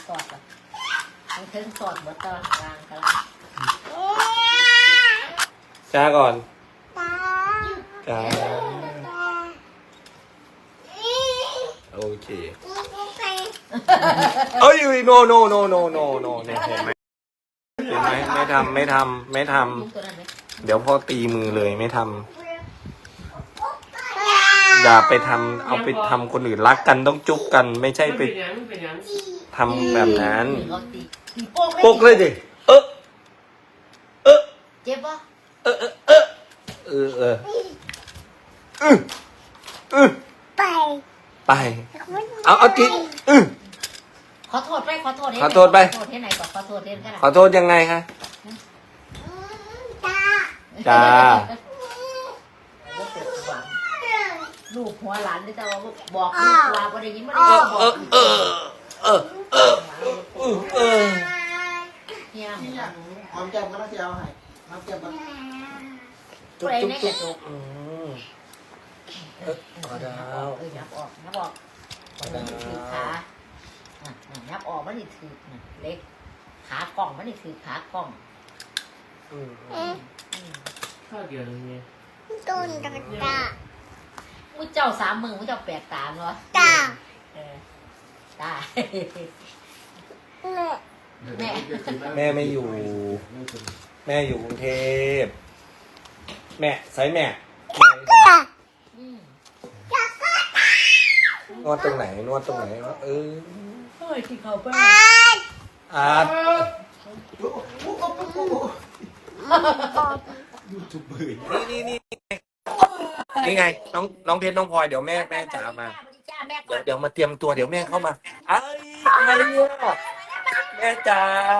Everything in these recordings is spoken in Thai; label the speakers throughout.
Speaker 1: สอดอ่ะมันถึงสอดหมดตอนกลางกัน
Speaker 2: จ้าก่อนจ้าโอเคเอ้ยโนเนี่ยเห็นไหมไม่ทำเดี๋ยวพ่อตีมือเลยไม่ทำอย่าไปทำเอาไปทำคนอื่นรักกันต้องจุ๊บกันไม่ใช่ไปทำแบบนั้นปกเลยดิ
Speaker 1: เจ็บปะ
Speaker 2: ไปเอาจิ
Speaker 1: ขอโทษไปขอโทษที่ไหนก่อนขอโทษที่ไหน
Speaker 2: ขอโทษยังไงคะจ้า
Speaker 1: ลูกหัวหลานที่จะบอกลูกว่าบ่ได้ยินบ่ได้บอกเนี่ย
Speaker 3: หอมแก้มก็ต้องเอาให้หอมแก้มก็
Speaker 1: จุ๊บ
Speaker 2: ขอดาว
Speaker 1: นับออกถือขานับออกมันนี่ถือเล็กขากล่องมันนี่ถือขากล่อง
Speaker 4: ข้าวเดียวนี่
Speaker 1: ต้นตามุ้เจ้า3 มือมุ้เจ้า8 ตาเนาะตา
Speaker 2: แม่ไม่อยู่แม่อยู่กรุงเทพแม่ใส่แม่นวดตรงไหนวะเ
Speaker 1: ฮ้ยที่เขาไป
Speaker 2: ยูทูบเบอร์นี่ไงน้องเพชรน้องพลอยเดี๋ยวแม่จ๋ามาเดี๋ยวมาเตรียมตัวเดี๋ยวแม่เข้ามาไอ้อะไรเนี่ยแม่จ๋า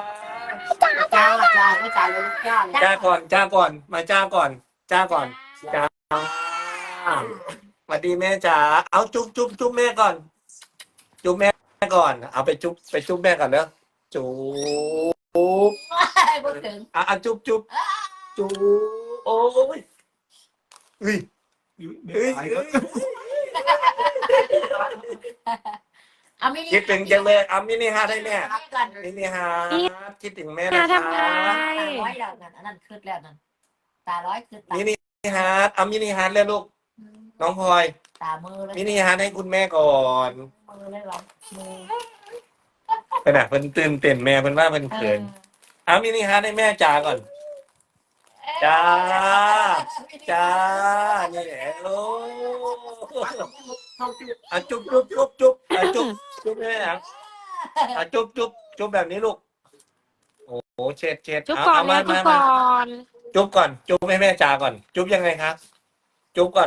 Speaker 2: จ้าก่อนมาจ้าก่อนจ้าสวัสดีแม่จ๋าเอาจุ๊บแม่ก่อนจุ๊บแม่ก่อนเอาไปจุ๊บแม่ก่อนเนอะจุ๊บจุ๊บโอ้ยคิดถึงจังเลยเอามินิฮาร์ดให้แม่มินิฮาร์ดคิดถึงแม่นะคะ
Speaker 1: ร้อยแล้วนั่นอันนั้นคืดแล้วนั่นตาร้อยคืด
Speaker 2: มินิฮาร์ดเอามินิฮาร์ดเลยลูกน้องพลอย
Speaker 1: ตามือเลย
Speaker 2: มินิฮาร์ดให้คุณแม่ก่อน
Speaker 1: มือเลยหรอมือ
Speaker 2: ขนาดเพิ่นตื่นเต้นแม่เพิ่นว่าเพิ่นเขินเอามินิฮาร์ดให้แม่จ๋าก่อนจ้านี่แหละโอ้จุ๊บแม่จุ๊บแบบนี้ลูกโอ้โหเช็ด
Speaker 5: จุ๊บก่อนเลยจุ๊บก่อน
Speaker 2: จุ๊บให้แม่จ๋าก่อนจุ๊บยังไงครับจุ๊บก่อน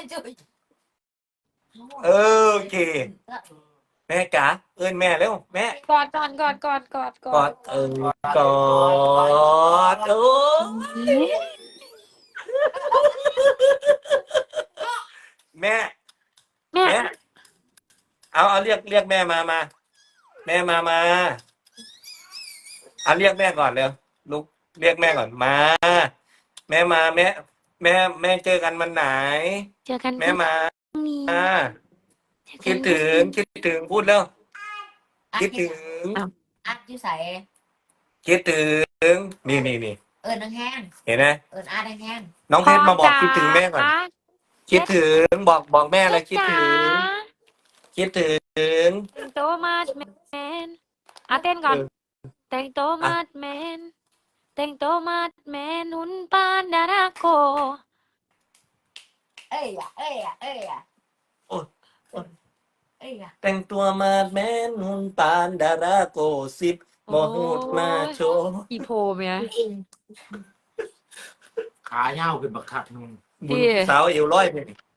Speaker 2: โอเคแม่จ๋าเอิ้นแม่เร็วแม่
Speaker 5: กอดก่อนกอด
Speaker 2: กอดแม่เอาเรียกแม่มาแม่มาเอาเรียกแม่ก่อนเร็วลูกเรียกแม่ก่อนมาแม่มาแม่เจอกันวันไหนแม่มาคิดถึงพูดแล้วคิดถึง
Speaker 1: อัดอยู่ใส่
Speaker 2: คิดถึงนี่
Speaker 1: นังแห้ง
Speaker 2: เห็นไหม
Speaker 1: อัดแห้ง
Speaker 2: น้องเพชรมาบอกคิดถึงแม่ก่อนคิดถึงบอกแม่เลยคิดถึง
Speaker 5: แต่งตัวมาดแมนเต้นก่อนแต่งตัวมาดแมนหุ่นปานดาราโก
Speaker 2: แต่งตัวมาแม่นุ่นปานดาราโกสิบโมหูดมาโช
Speaker 5: อีโพเมีย
Speaker 3: ขาเหี่ยวขึ้นบักคักนึง
Speaker 2: สาวเอวร้อยไป